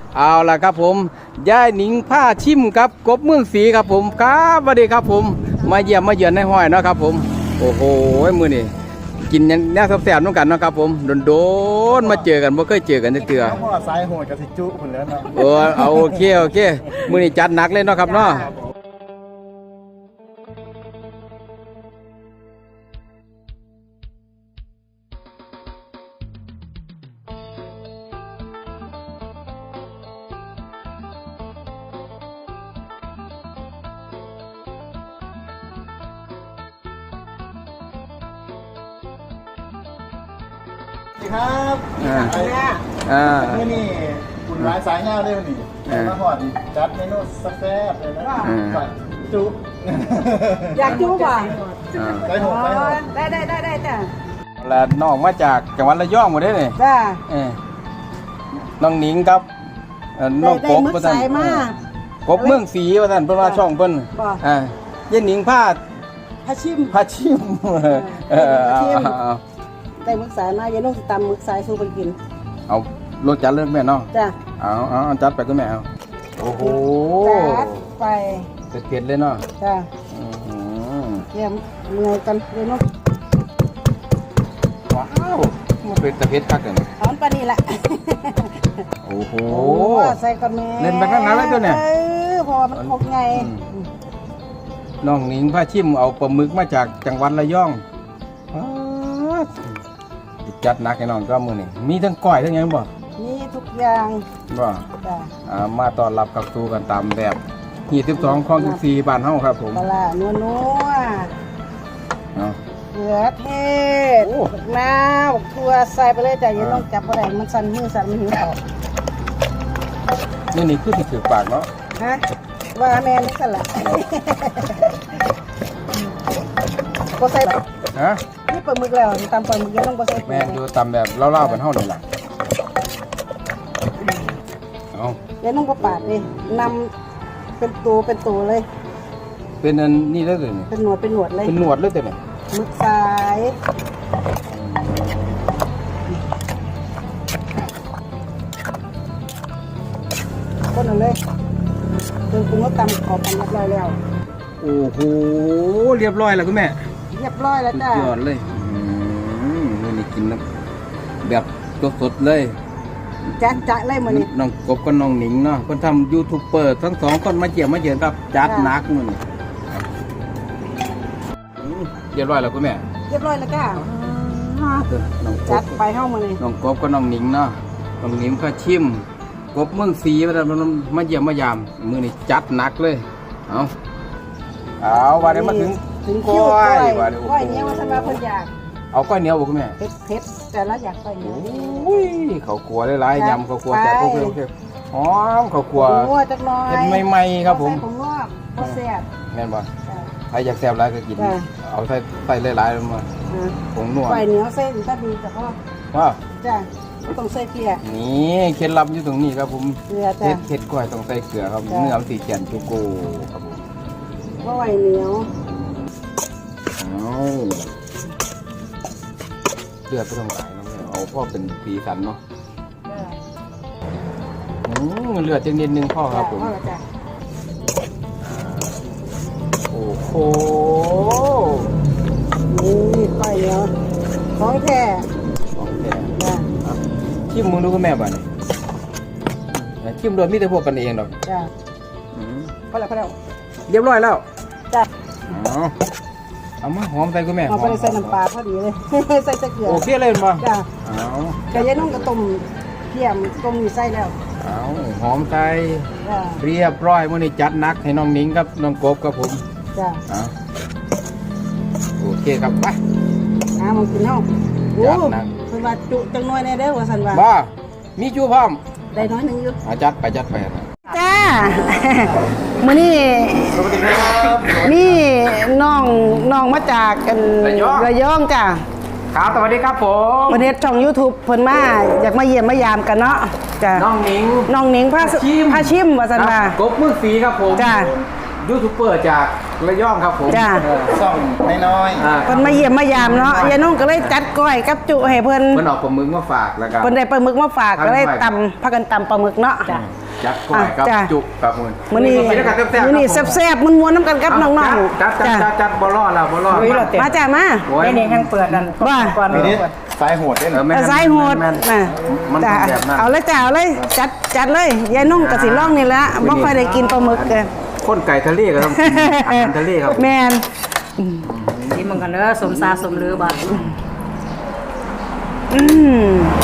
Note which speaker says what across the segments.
Speaker 1: เอาล่ะครับผมยายหนิงผ้าชิมครับกบเมืองศรีครับผมครับสวัสดีครับผมมาเยี่ยมมาเยือนในห้อยเนาะครับผมโอ้โหมื้อนี้กินแนวแซ่บๆน้องกันเนาะครับผมโดนๆมาเจอกันบ่เคยเจอกันจักเทื่อ
Speaker 2: พ่อสายโหดกับสิจุพุ่นแล้วเนาะ
Speaker 1: เอาโอเคมื้อนี้จัดหนักเลยเนาะครับเนาะ
Speaker 2: ครับเมื่อนี่คุณร้ายสายเงาได้วันนี้มาหอดจัดเมนูแซ่บเลยนะจุ
Speaker 3: อยากจุ๊บอ่ะ
Speaker 2: ได้หก
Speaker 3: ได้จ้ะ
Speaker 1: แล้วน้องมาจากจังหวัดระยองหมดเลยนี่
Speaker 3: จ้ะ
Speaker 1: น้องหนิงครับน้องกบว่าซั่นกบเมืองศรีว่าซั่นเพิ่นว่าช่องเพิ่นยายหนิงผ้าชิม
Speaker 3: ได้มึกสายมาอย่าลงสิตำมึกสายสู้ไปกิน
Speaker 1: เอารสจัดเลยแม่เนาะ
Speaker 3: จ้ะ
Speaker 1: เอาจัดไปก็แม่เอาโอ้โห
Speaker 3: จัดไป
Speaker 1: เผ็ดเลยเนาะ
Speaker 3: จ้ะเยี่ยมเมื่อยกันเลยเนาะ
Speaker 1: ว้าวมันเป็นตะเพ็ดคักกัน
Speaker 3: หอมปลานี่แหละ
Speaker 1: โอ้โห
Speaker 3: ใส่ก่อนแม่
Speaker 1: เล่นไปข้างหน้าแล้วตัวเนี่ย
Speaker 3: พอมันคงไง
Speaker 1: น้องหนิงผ้าชิมเอาปลาหมึกมาจากจังหวัดระยองจัดหนักให้น้องก็มือนี่มีทั้งก้อยทั้งยังบ่
Speaker 3: มีทุกอย่าง
Speaker 1: บ่มาต้อนรับกับสู่กันตามแบบ22ของ14บ้านเฮาครับผม
Speaker 3: ปลานัวเกลือเทศน้ำตัวใส่ไปเลยแต่ยังต้องจับบ่ได้มันสั่นมือสั่นมันหิวออก
Speaker 1: นี่คือสิถือปากเนาะ
Speaker 3: ฮะว่าแม่นี่สั่นล่ะบ่ใส่
Speaker 1: ฮะ
Speaker 3: นี่ปลาหมึกแล้วตำปลาหมึกยังต้องบ่ใส่
Speaker 1: แม่ดูตำแบบเล่าๆเป็นเฮานี่ล่ะเอา
Speaker 3: ยังต้องบ่ปาดเลยนำเป็นตัวเลย
Speaker 1: เป็นอันนี้เลยนี่
Speaker 3: เป็นหนวดเลย
Speaker 1: เป็นหนวดเลยแต่เนี่ย
Speaker 3: หมึกสายต้นเอาเลยเครื่องปรุงก็ตำขอบกันเรียบร้อยแล้ว
Speaker 1: โอ้โหเรียบร้อยแล้วคุณแม่
Speaker 3: เรียบร้อยแล้วจ้ะ
Speaker 1: ยอดเลยนี่กินแบบสดๆเลย
Speaker 3: จัดเลยมื้อนี้
Speaker 1: น้องกบกับน้องหนิงเนาะคนทำยูทูบเบอร์ทั้งสองคนมาเจียมครับจัดหนักมื้อนี้เรียบร้อยแล้วคุณแม่
Speaker 3: เรียบร้อยแล้วจ้ะจัดไปเฮามื้อนี้
Speaker 1: น้องกบกับน้องหนิงเนาะน้องหนิงก็ชิมกบเมืองศรีมาเยี่ยมมายามมื้อนี้จัดหนักเลยเอาว่าได้มาถึงก้อยว่าได้
Speaker 3: ก้อยเหนียวว่าซั่นว่าเพิ่นอยาก
Speaker 1: เอาก้อยเหนียวบ่คุณแม่
Speaker 3: เผ็ดแต่ละอยากก้อยเหนียว
Speaker 1: โอ้ยข้าวคั่วหลายๆยำข้าวคั่วแต่โอเคหอมข้าวคั่ว
Speaker 3: จักหน่อย
Speaker 1: เฮ็ดใหม่ๆครับผม
Speaker 3: ผมงอกบ่แซ่บ
Speaker 1: แม่นบ่ใครอยากแซ่บหลายก็กินเอาใส่หลายๆลงมาผงนัว
Speaker 3: ก้อยเหนียวเส้นถ้าดีแต่ก็จ้ะต้องใส่เกลือ
Speaker 1: นี่เคล็ดลับอยู่ตรงนี้ครับผม
Speaker 3: เกลือจ้ะ
Speaker 1: เผ็ดก้อยต้องใส่เกลือครับเนื้อมันสิแก่นจุโกครับผม
Speaker 3: ก้อยเหนียว
Speaker 1: เลือดก็ต้องไหลนะเอาพ่อเป็นสีสันเนาะเลือดจังนิดนึงพ่อครับผมโอ้โห
Speaker 3: นี่ไปเนาะของแท้
Speaker 1: ชิมมึงดูกับแม่บ้านชิมโดยมีแต่พวกกันเองหรอก
Speaker 3: จ้ะพอแล้ว
Speaker 1: เรียบร้อยแล้ว
Speaker 3: จ้ะ
Speaker 1: เอามาหอมใส่คุณแม่
Speaker 3: เอาไปใส่น้ำปลาพอดีเลยใส่เกลือ
Speaker 1: โอเคเลยมา
Speaker 3: จ้ะแต่ยังต้องกระต้มเทียมต้มอยู่ใส่แล้ว
Speaker 1: หอมใส่เรียบร้อยมื้อนี้จัดหนักให้น้องหนิงกับน้องกบครับผม
Speaker 3: จ้ะ
Speaker 1: โอเคครับไป
Speaker 3: มันกินเนาะจัดหนักเพิ่นว่าจุจังน้อยแน่เด้อว่าซั่นว่า
Speaker 1: บ่มีจุพร้อม
Speaker 3: ได้น้อยนึงอยู่
Speaker 1: จัดไปจ้า
Speaker 3: มื้อนี้มีน้องมาจากกันระยองจ้ะ
Speaker 1: ครับสวัสดีครับผม
Speaker 3: วันนี้ช่อง YouTube เพิ่นมาอยากมาเยี่ยมมายามกันเนาะจ้ะ
Speaker 1: น้องหนิง
Speaker 3: พาชิมว่าซั่นว่าก
Speaker 1: บเมืองศรีครับผม
Speaker 3: จ้ะ
Speaker 1: ยูทูบเบอร์จากระยองครับผม
Speaker 3: จ้ะ
Speaker 2: ซ่องน้อย
Speaker 3: เพิ่นมาเยี่ยมมายามเนาะยายน้องก็เลยจัดก้อยกับจุให้เพิ่น
Speaker 1: เอาปลาหมึกมาฝากแล้วก็
Speaker 3: เพิ่นได้ปลาหมึกมาฝากก็เลยตำพากันตำปลาหมึกเนาะ
Speaker 1: จัดก้อยครับ
Speaker 3: จ้ะ
Speaker 1: จุครับมึง
Speaker 3: มื้อนี้
Speaker 1: กินแล้วกันแซ่บๆ
Speaker 3: มื้อนี้
Speaker 1: ครับผม
Speaker 3: แซ่บๆม่วนๆน้ำกันกับน้อง
Speaker 1: จัด
Speaker 3: ๆจ้ะ
Speaker 1: จัดบ่รอดแล้วบ่รอด
Speaker 3: มาจ้ะมา
Speaker 1: โอ้ย
Speaker 4: นี่ยังเปิดกัน
Speaker 3: ว่า
Speaker 4: ก่อน
Speaker 2: นี่นี่
Speaker 4: เปิด
Speaker 2: สายโหดเด้
Speaker 1: เออแม่น
Speaker 3: สายโหด
Speaker 1: แม่น
Speaker 3: น่ะ
Speaker 1: มัน
Speaker 3: จ้ะ
Speaker 1: ต้องแบบนั้น
Speaker 3: เอาเลยจ้ะเอาเลยจัดเลยยายนุ่งกับสิร่องนี่แหละบ่ค่อยได้กินปลาหมึกเด้อ
Speaker 1: ข้นไก่ทะเลก็ต้องกินอาหารทะเลครับ
Speaker 3: แม่น
Speaker 4: ชิมมันกันเด้อสมซาสมลือบัด
Speaker 3: อืม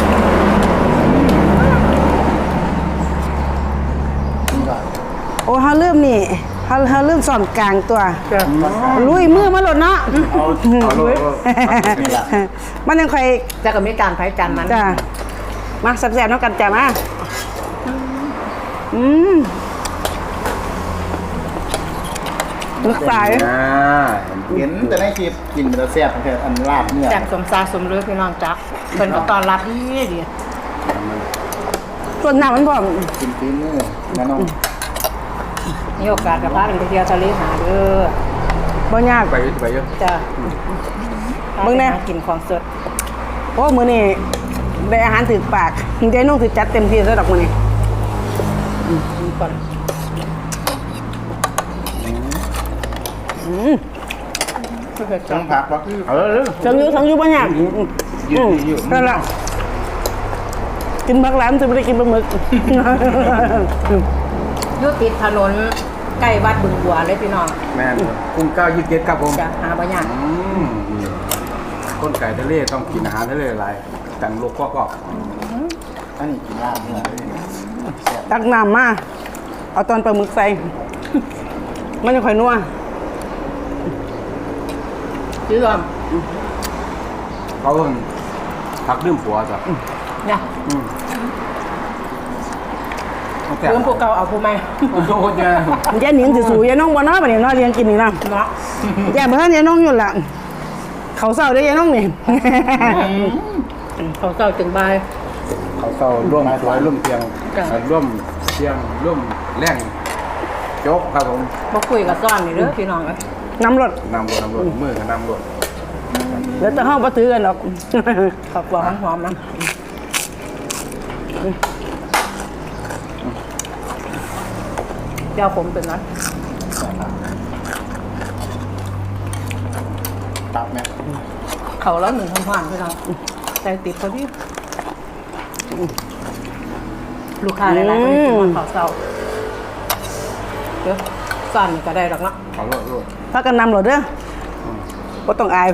Speaker 3: โอ้เฮาเริ่มนี่เฮาเริ่มสอนกลางตัวลุยมือมาหลดเนาะ
Speaker 1: เอาโลด
Speaker 2: นี่ล่ะ
Speaker 3: มันยังค่อย
Speaker 4: แต่ก็มีการไผจานมัน
Speaker 3: จ้ะมาแซ่บๆเนาะกันจ้ะมาอืมนึกสาย
Speaker 1: อ่า
Speaker 2: เห็นแต่ในคลิปกินมันจะแซ่บแต่อันลาบเนื้อ
Speaker 4: จากสมซาสมลือพี่น้องจักเพิ่นก็ต้อนรับดีดี
Speaker 3: ส่วนหน้ามันบอก
Speaker 2: กินฝีมือนะน้อง
Speaker 4: มีโอกาสกับพากันไปเที่ยวทะเลหาเด้อ
Speaker 3: บ่ยาก
Speaker 1: ไปเยอะ
Speaker 4: จ้ะ
Speaker 3: มึงแน่
Speaker 4: กินของสด
Speaker 3: โอ้มื้อนี้ได้อาหารถึกปากเจ๊นุ่งถือจัดเต็มที่ซะดอกมื้อนี้
Speaker 4: กินก่อน
Speaker 2: ต้องพักวะ
Speaker 1: เอาเลย
Speaker 3: ทั้งอยู่บ่ยาก
Speaker 1: อยู่
Speaker 3: นั่นล่ะกินบักหลามจะบ่ได้กินปลาหมึก
Speaker 4: อยู่ติดถนนใกล้วัดบึงบัวเลยพี่น้อง
Speaker 1: แม่นกุ้ง927ครับผม
Speaker 4: จะหาบ่ยาก
Speaker 1: ข้นไก่ทะเลต้องกินอาหารทะเลหลายกันโลกก็
Speaker 2: อันนี้กินลาบเนื้อแซ่บ
Speaker 3: ตักน้ำมาเอาตอนปลาหมึกใส่ มันจะค่อยนัว
Speaker 4: ชื่อว่า
Speaker 1: เขาเพิ่งพักดื่มผัวจ้ะ
Speaker 4: เนี่ย
Speaker 1: แต่
Speaker 4: เพิ่มพวกเก่าเอาผู้ใหม่
Speaker 1: โอ้โหเนี่ย
Speaker 3: ยายหนิงสิสู่ยายน้องบ่เนาะบัดนี้เนาะเรียนกินนี่นะ
Speaker 4: เนาะ
Speaker 3: ยายบ่ทันยายน้องอยู่ล่ะเขาเศร้าเด้อยายน้องนี่
Speaker 4: เขาเก่าจึงบาย
Speaker 1: เขาเศร้าร่วมสวยร่วมเทียง
Speaker 4: จ้ะ
Speaker 1: ร่วมเทียงร่วมแรงโจ๊กครับผม
Speaker 4: บ่คุยกับซ่อนนี่เด้อพี่น้องเอ้ย
Speaker 3: น้ำรถ
Speaker 1: นำรถมือกับนำรถ
Speaker 3: เดี๋ยวจะเฮาบ่ถือกันหรอก
Speaker 4: ขอบคุณหอมๆนะเดี๋ยวผมเป็นนะ
Speaker 2: ตับไหม
Speaker 4: เขาแล้วหนึ่งพันผ่านพี่น้องใจติดพอดีลูกค้าหลายๆคนที่มาเขาเศร้าเดี๋ยวซ่อนนี่ก็ได้หรอกเนาะ
Speaker 1: เอารถ
Speaker 3: พากันนำรถเด้อบ่ต้องอาย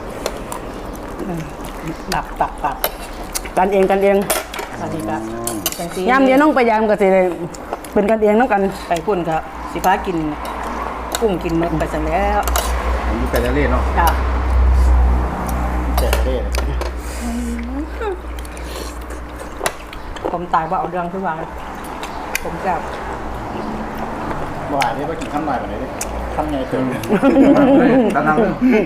Speaker 4: ดับตับตับ
Speaker 3: กันเอง
Speaker 4: สวัสดีครับจังซี่
Speaker 3: ยามยายน้องไปยามก็สิได้เป็นกันเองนํกัน
Speaker 4: ไปพุ่นครับสิฟ้ากินกุ้งกินหมึกไปซะแล้ว
Speaker 1: อันนี้ไก่ทะเลเนาะ
Speaker 4: จ้า
Speaker 2: แซ่บเด้
Speaker 4: ผมตายว่าเอาเรื่องทุกวันผมจะ
Speaker 2: บ่หายได้ว่ากินข้าวหน่อยแบบนี้ดิข้าวไงเติมเนี่ย
Speaker 1: ตามนั้นเลย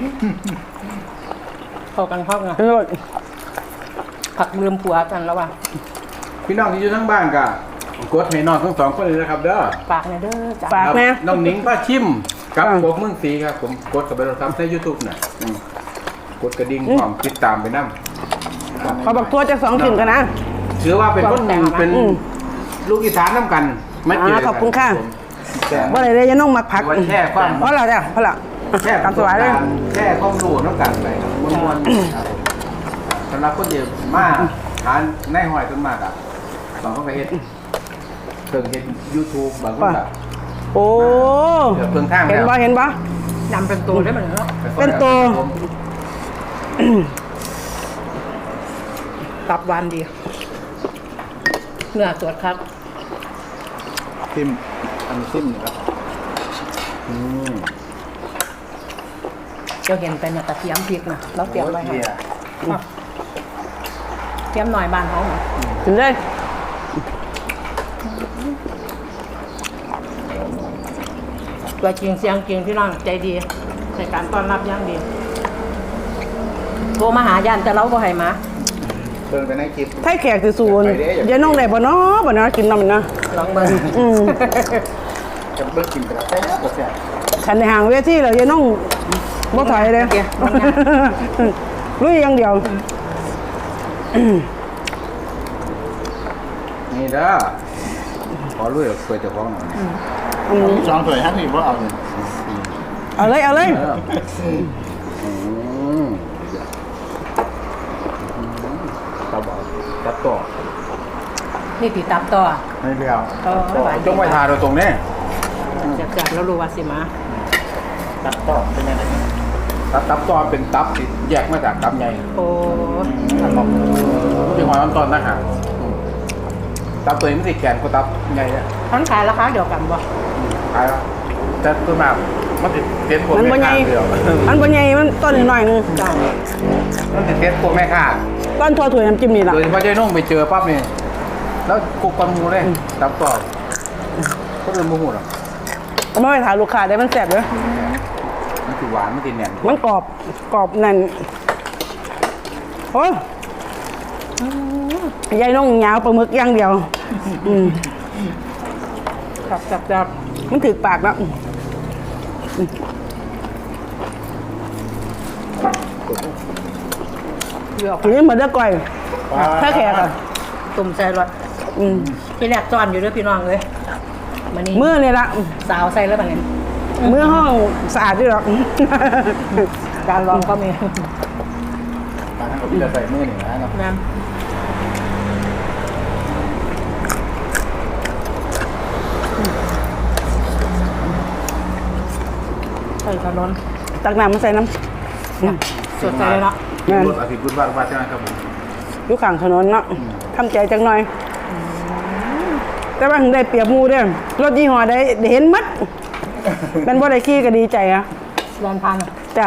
Speaker 4: เข้ากันเข้ากัน
Speaker 3: เออ
Speaker 4: ผักลืมผัวกันแล้วว่ะ
Speaker 1: พี่น้องที่อยู่ทั้งบ้านก็กดให้น้องทั้งสองคนเลยนะครับเด้อ
Speaker 4: ฝากในอยเด้อจ้า
Speaker 3: ฝากแม่
Speaker 1: น้องหนิงป้าชิมกับพวกเมืองสีครับผมกดกับไปเราทำใน YouTube น่ะกดกระดิ่งพร้อมติดตามไปนำ
Speaker 3: ขอบักทั่วจัก2ชิ้นกันนะ
Speaker 1: ถือว่าเป็นคนเป็นลูกอีสานน้ำกันมาเจอกัน
Speaker 3: ขอบคุณค่ะ
Speaker 2: แซ่บ
Speaker 3: บ่ได้เลยยายน้องมักผัก
Speaker 1: ถือว่าแช่ความ
Speaker 3: เพราะเราจ้ะเพราะเรา
Speaker 1: แช่
Speaker 3: ตามสบายเลย
Speaker 1: แช่ความรู้น้ำกันไปครับม้วนๆครับสำหรับคนเดียวมาหาในหอยต้นมากอ่ะบางคนก็เฮ็ดเพิ่งเฮ็ด YouTube บางคนก็
Speaker 3: โอ้
Speaker 1: เดี๋ยวเพิ่งทาง
Speaker 3: เห็น
Speaker 1: แล้ว
Speaker 3: บ่เห็นบ่
Speaker 4: นำเป็นตัวได้เหมือนกันเนาะ
Speaker 3: เป็นตัว
Speaker 4: ตับหวานดีเนื้อสดครับ
Speaker 2: ซิมอันนี้ซิมนี่ครับ
Speaker 4: เจ้าเห็นเป็นกระเทียมพริกนะเราเตรียมไว้ให้
Speaker 2: เบียร์
Speaker 4: อ่ะเตรียมหน่อยบ้านเขาเหรอ
Speaker 3: ถึงได้
Speaker 4: ตัวจริงเสียงจริงพี่น้องใจดีในการต้อนรับอย่างดีโทรมาหาย่านแต่เราบ่ให้มา
Speaker 2: เบิ่งไปในคลิป
Speaker 3: ไทยแขกสิสูนยายน้องได้บ่เนาะบ่เนาะกินนำนะ
Speaker 4: ลองเบิ่ง
Speaker 2: จะเบิ่งกินไปแล้วแซ่บแซ่บ
Speaker 3: คันในห่างเวทีแล้วยายน้องบ่ถอยเลย ลุยอย่างเดียว
Speaker 1: นี่เด้ออลุยเคยจะฟ้องหน่อย
Speaker 2: มีสองถ้วยฮักนี่บ่เอาเลย
Speaker 3: เอาเลยเอาเลย
Speaker 1: ตับตับต่อ
Speaker 4: นี่ติดตับต่อ
Speaker 2: ไม่เลี้ยว
Speaker 1: จงไว้ทาโดยตรงนี้
Speaker 4: จากแล้วรู้ว่าสิมา
Speaker 2: ตัดต่อเป็นยังไง
Speaker 1: ตับต่อเป็นตับที่แยกมาจากตับใหญ่
Speaker 4: โอ้
Speaker 1: ที่หอยตอนนะฮะตับตัวนี้มันติดแกนกว่าตับใหญ่เนี่ย
Speaker 4: ทั้งขายราคาเดียวกันบ่
Speaker 1: ขายแล้วแต่ตัวมากมันติดเต็นพวก
Speaker 3: มัน
Speaker 1: แม่
Speaker 3: บ่ใหญ่
Speaker 1: ค้าเดียว
Speaker 3: มันบ่ใหญ่มันต้นหน่อยนึง
Speaker 4: จ้า
Speaker 1: มันติดเต็นพวกแม่ค้า
Speaker 3: ต้นทั่วถ้วยน้ำจิ้มนี่ล่ะ
Speaker 1: โดยเฉพาะเจ๊นุ่งไปเจอปั๊บนี่แล้วกุกกอนหมูเลยตับต่อก็เริ่มโมโหหรอก
Speaker 3: ไม่ไปถามลูกค้าได้มันแซ่บเด้อ
Speaker 1: มันคือหวานมันติดแน่น
Speaker 3: มันกรอบแน่นโอ้ยยายน้องยาวปลาหมึกอย่างเดียว
Speaker 4: จับ
Speaker 3: มันถึกปากแล้ว
Speaker 4: เลือก
Speaker 3: ทีนี้เหมือนเด้อก่อยถ้าแขกอ่ะ
Speaker 4: ตุ่มใส่รถพี่แรกจอนอยู่ด้วยพี่น้องเลยมันนี่
Speaker 3: เมื่อนี่ละ
Speaker 4: สาวใส่แล้วแบบนี้
Speaker 3: เมื่อห้องสะอาดด้วยหรอก
Speaker 4: การลองก็มี
Speaker 1: มาทั้งกับพี่จะใส่มือหนึ่งนะเนาะ
Speaker 4: น้ำใส่ถนน
Speaker 3: ตักน้ำมาใส่น้ำ
Speaker 4: สดใสเลยเนาะ
Speaker 3: งาน
Speaker 1: รถอาทิตย์บุญบ้านบ้านใช่ไหมครับผม
Speaker 3: อยู่ข้างถนนเนาะทำใจจังหน่อย แต่ว่าถึงได้เปรียบหมูเด้อรถยี่ห้อได้เห็นมัดเป็นบ่ได้ขี่ก็ดีใจอะ
Speaker 4: แลนพัน
Speaker 3: จ้ะ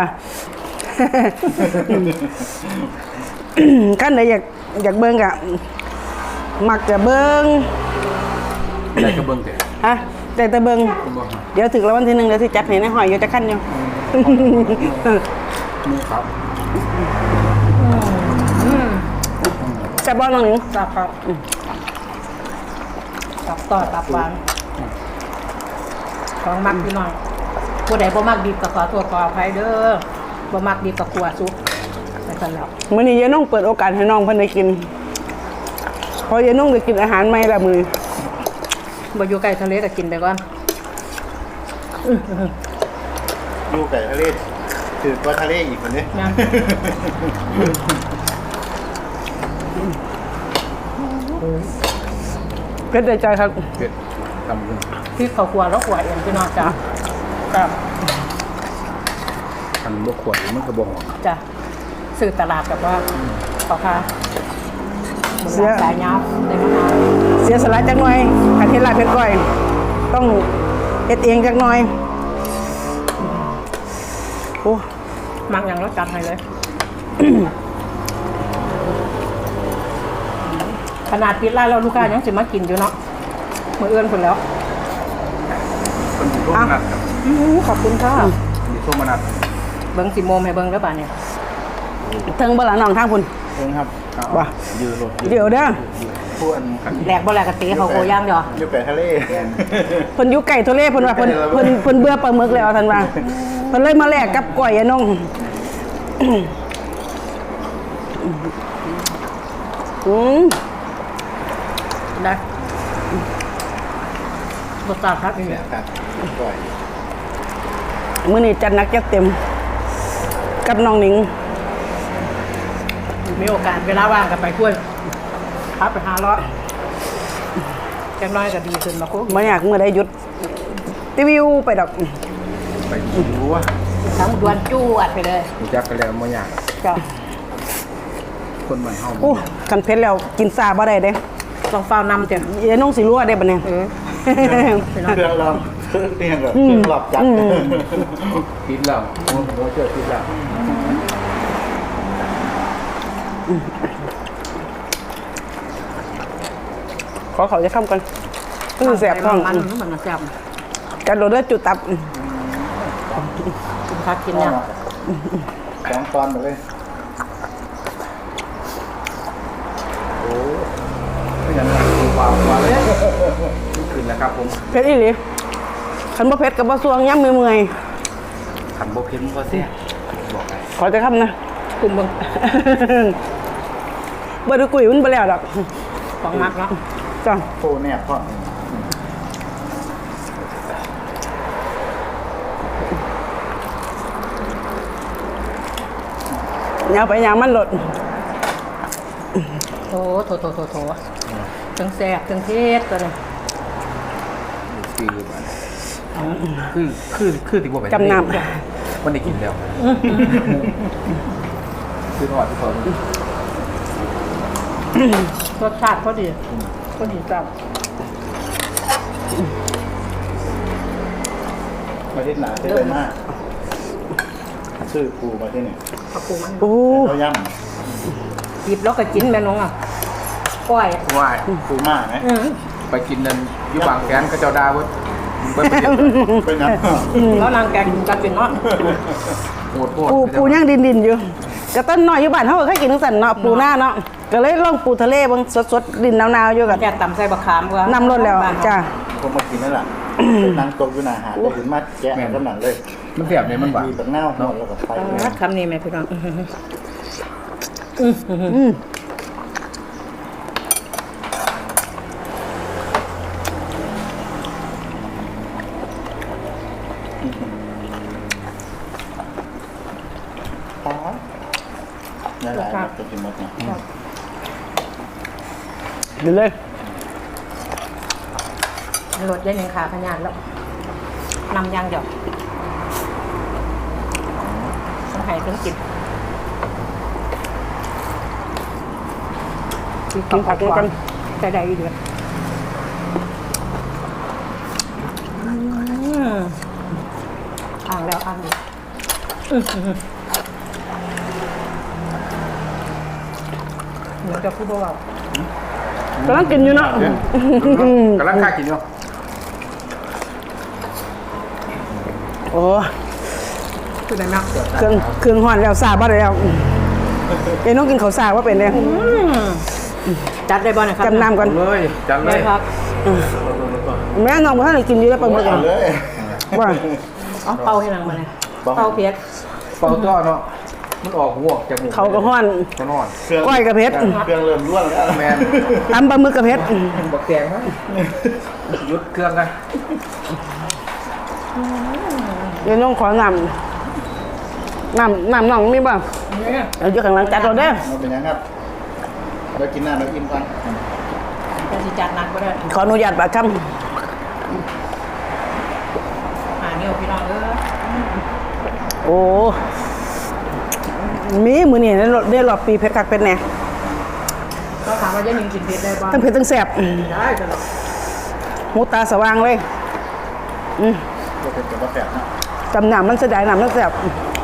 Speaker 3: ขั้นใดอยากเบิ่งกะมักจะเบิ่ง
Speaker 1: ได้กระเบื้องเตะ
Speaker 3: ฮะแต่เบิ่ง
Speaker 1: คุณบอก
Speaker 3: เดี๋ยวถึงแล้ววันที่หนึ่งเดี๋ยวสิจัดให้ในหอยอยู่จะขั้นอยู่
Speaker 1: มือครับ
Speaker 3: แต่บ่น้องหนิง
Speaker 4: จับครับตับต่อตับหวานของมักพี่น้องผู้ใดบ่มักดิบก็ขอโทษขออภัยเด้อบ่มักดิบก็กลัวซุปไปกันแล้ว
Speaker 3: มื้อนี้ยายน้องเปิดโอกาสให้น้องเพิ่นได้กินเพอยายน้องได้กินอาหารใหม่ละมื้อ
Speaker 4: บ่อยู่ใกล้ทะเลก็กินไปก่อน
Speaker 2: ดูไก่ทะเลถือกว่าทะเลอีกคนนี้
Speaker 4: นะ
Speaker 3: เพ็ดได้ใจครับ
Speaker 1: เผ็ดทำขึ้น
Speaker 4: พริกข้าวคั่วแล้วคั่วเองพี่น้องจ้ะครับ
Speaker 1: ทำลวกขวดมันกระบอก
Speaker 4: จ้ะซื้อตลาดแบบว่าพ่อค้าหมุนร้านสายยาวได้มะนาว
Speaker 3: เสียสละจักหน่อยคันเฮ็ดลาบเฮ็ดก้อย ต้องเฮ็ดเองจักหน่อยโอ้
Speaker 4: มักอย่างรสจัดให้เลย ขนาดปิดร้านแล้วลูกค้ายังสิมากินอยู่เนาะมื้อเอื้อนคนแล้ว
Speaker 1: เป็นส้มมนัดครับ
Speaker 4: ขอบคุณค่ะ
Speaker 1: มีส้มมนัด
Speaker 4: เบิ่งสิโมมให้เบิ่งเด้อป่านนี้
Speaker 3: เทิงบ่ล่ะน้องทางพุ่น
Speaker 2: เองครับ
Speaker 3: ว่ะ
Speaker 1: ยืดรถ
Speaker 3: เดี๋ยวเด้อ
Speaker 2: พูดอัน
Speaker 4: แหลกบ่แหลกกะเตะเขาโกย่างเดียว
Speaker 2: ดูไก่ทะเล
Speaker 3: เพิ่นอยู่ไก่ทะเลเพิ่นว่าเพิ่นเบื่อปลาหมึกแล้วท่านว่าเพิ่นเลยมาแลกกับก้อยยายน้อง
Speaker 4: ได้รสชาติครับนี่
Speaker 2: เนี่ยครับก่อย
Speaker 3: มื้อนี้จัดหนักจัดเต็ม กับน้องหนิง
Speaker 4: มีโอกาสเวลาว่างกันไปช่วยครับไปหาเลาะจังน้อยก็ดีขึ้นมาคุก
Speaker 3: บ่อยากมื้อใดหยุดติวิวไปดอก
Speaker 1: ไปดูว่า
Speaker 4: ทั้งดวนจู้อัดไปเลย
Speaker 1: ดูจักกันแล้วมันยาก
Speaker 4: จ้ะ
Speaker 1: คนมันเฮา
Speaker 3: อู้คันเผ็ดแล้วกินซาบ่ได้เด้
Speaker 4: ต้องเฝ้านำจ้ะ
Speaker 3: ยายน้องสิรู้ว่าได้บัดนี้
Speaker 4: พี่น้อง
Speaker 2: เครื่องเราเครื่องแบบเครื่องหลอบจัด
Speaker 1: ติดแล้วโอ้โหเจอติดแล้ว
Speaker 3: ขอเขาจะค้ำก่อนคือแสบท้อง
Speaker 4: มันแซ่บ
Speaker 3: จัดโดดเลือดจุดตับ
Speaker 4: กินพักกินเนี่ย
Speaker 2: สองตอนหมดเลย
Speaker 1: โอ้ไม่อย่างนั้นคือความเลยขึ้นแล้วครับผม
Speaker 3: เผ็ดอีหลีคันบ่เผ็ดกับบ่สวงย่ำเมื่อย
Speaker 1: ขันโบเพ็นก็เสียบอกไง
Speaker 3: ขอจะค้ำนะ
Speaker 4: กลุ่มเบิ่ง
Speaker 3: บ่ได้กุยมันบ่แล้วดอก
Speaker 4: ของมักเนาะ
Speaker 3: จ้ะ
Speaker 2: โคแนบพ่อ
Speaker 3: อย่าไปอย่างมันหลด
Speaker 4: โอ้โถทั้งแซ่บทั้งเทศตัวนี้
Speaker 1: คือติว่าไป
Speaker 3: จำน
Speaker 1: มันได้กินแล้วคือทอดที่เขา
Speaker 4: รสชาติพอดีจัง
Speaker 2: ประเทศหนาเท่เลยมากชื่อปูประเทศเนี่ย
Speaker 4: ผักปูมัน
Speaker 3: ำโอ้
Speaker 2: เขาย่
Speaker 4: หยิบแล้วก็กินแม่น้องอ่ะก้อย
Speaker 1: ว่า
Speaker 2: ำปูมากไหม
Speaker 1: ไปกินนั่นอยู่บางแสนก็เจ้าดาเว้ยเบิ้ล
Speaker 2: เป็นน้ำ
Speaker 4: แล้วนางแกงกันเป็นเนาะ
Speaker 1: โหด
Speaker 3: ปูย่างดินอยู่กระต้นน้อยอยู่บ้านเฮาก็เคยกินทั้งสันเนาะปูหน้าเนาะก็เลยลองปูทะเลบางสดๆดินหนาวๆอยู่กับ
Speaker 4: แกงตำใส่บะขามก็
Speaker 3: น้ำล้นแล้วจ้า
Speaker 2: ผมมากินนั่นแหละนั่งโต๊ะอยู่หน้าหาดได้ถึงมาแกะกำลังเลย
Speaker 1: มันแสบเนี่ยมันหวาน
Speaker 2: มีตักเน่าหอดแล้วก็ไปเลย
Speaker 4: คำนี้แม่พี่น้อง
Speaker 2: นี่แหละจะกินหมดเนี่ย
Speaker 3: ดินเลย
Speaker 4: รสยันยังขาขนาดแล้วนำยางเดียวต้องให้ต้องกิน
Speaker 3: กินผักด้วยกัน
Speaker 4: ใส่ได้อีกเดือนอ่างแล้วอ่างอีกเหมือนกับผู้บ่าว
Speaker 3: กำลังกินอยู่เนาะ
Speaker 1: กำลังค่ากินอยู่
Speaker 3: โอ้
Speaker 4: คือได้มาก
Speaker 3: เครื่องห่อนแล้วซาบ่ได้แล้วเอ้น้องกินข้าวซาว่าเป็นเลย
Speaker 4: จัดได้บ่เนี่ยครับ
Speaker 3: จำนำก่อน
Speaker 1: เลยจัดเล
Speaker 4: ได้
Speaker 1: ย
Speaker 4: ครับ
Speaker 3: แม่น้องบ่ทันได้กินอยู่แล้วปลาหมึก
Speaker 2: เอา
Speaker 3: อ่ะ
Speaker 2: เลย
Speaker 3: ว่า
Speaker 4: เอาเป่าให้นางมาเนี่ยเป่าเพียร
Speaker 1: เป่าต้อเนาะมันออกหัวจากหมู
Speaker 3: เขาก็ห่อน
Speaker 1: ก็นอน
Speaker 2: เครื่อง
Speaker 3: ก้อยกับเพชร
Speaker 2: เครื่องเริ่มร่วนแล้ว
Speaker 1: แมน
Speaker 3: ตำปลาหมึกกับเพชร
Speaker 1: บักแกงไหมยุดเครื่องกัน
Speaker 3: เดี๋ยวน้องขอน้ำน้องมีบ่เอาอยู่ข้างหลังจัดเราเด้อ
Speaker 2: มันเป็นยังครับเรากินน้ำเราอิ่มก่อน
Speaker 4: จะสิจัดหนักก็ได้
Speaker 3: ขออนุญาตปากค
Speaker 4: หาเนี่ยพี่น้อง
Speaker 3: ำโอ้มีมือนี่ได้รอบปีเพชรคักเป็นแน่
Speaker 4: ก็ถามว่าจะยิงกินเผ็ดได้บ้าง
Speaker 3: ทั้งเพชรทั้งแสบ
Speaker 4: ได้ตลอด
Speaker 3: หูตาสว่างเลย
Speaker 2: เราเป็นกับว่าแสบนะ
Speaker 3: จำหนำมันเสียดายหนำมันแสบ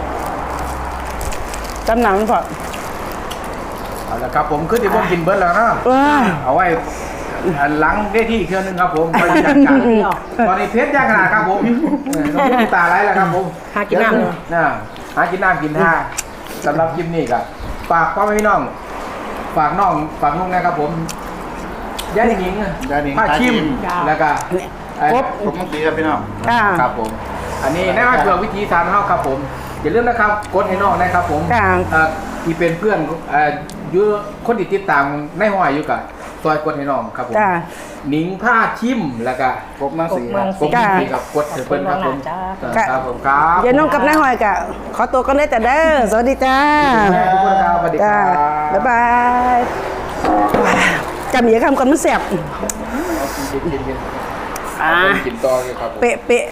Speaker 3: จำหนำมันพอ
Speaker 1: เอาละครับผมขึ้นที่ผมกินเบิร์ดแล้วนะ
Speaker 3: ว้า
Speaker 1: เอาไว้หลังได้ที่อีกเครื่องนึงครับผมไปจัดการตอนนี้เพชรย่างขนาดครับผมน้ำตาไหลแล้วครับผม
Speaker 4: หากินน้ำเลย
Speaker 1: น่ะหากินน้ำกินท่าสำหรับคลิปนี้ก็ฝากพ่อแม่พี่น้องฝากน้องฝากนุ่งนะครับผมย่าหนิงผ้าชิมแล้วก็
Speaker 2: ผมต้องตีครับพี่น้อง
Speaker 3: อ่า
Speaker 1: ครับผม อันนี้แน่ว่าเพื่อวิธีทานเฮาครับผมอย่าลืมนะครับกดให้น้องนะครับผม
Speaker 3: ค่ะ
Speaker 1: ที่เป็นเพื่อนอยู่คนที่ติดตามในห้อยอยู่กับซอยกดให้น้องครับผม
Speaker 3: จ้า
Speaker 1: หนิงผ้าชิมแล้วก็
Speaker 2: ครบมาสีครับ
Speaker 1: ผม
Speaker 3: จ้า
Speaker 1: มีกับกดให้เพิ่นครับผม
Speaker 3: จ้า
Speaker 1: ครับผมครับ
Speaker 3: เดี๋ยวน้องกับนายหอยกะขอตัวกันได้แต่เด้อสวัสดีจ้า
Speaker 1: ทุกคนครับสวัสดีค
Speaker 3: จ้า
Speaker 1: รับ
Speaker 3: บ๊ายบายจำอย่าคำก่อนมันแสบ
Speaker 1: กิน
Speaker 3: อ่า
Speaker 1: กินต่อเลยครับผม
Speaker 3: เป๊ะ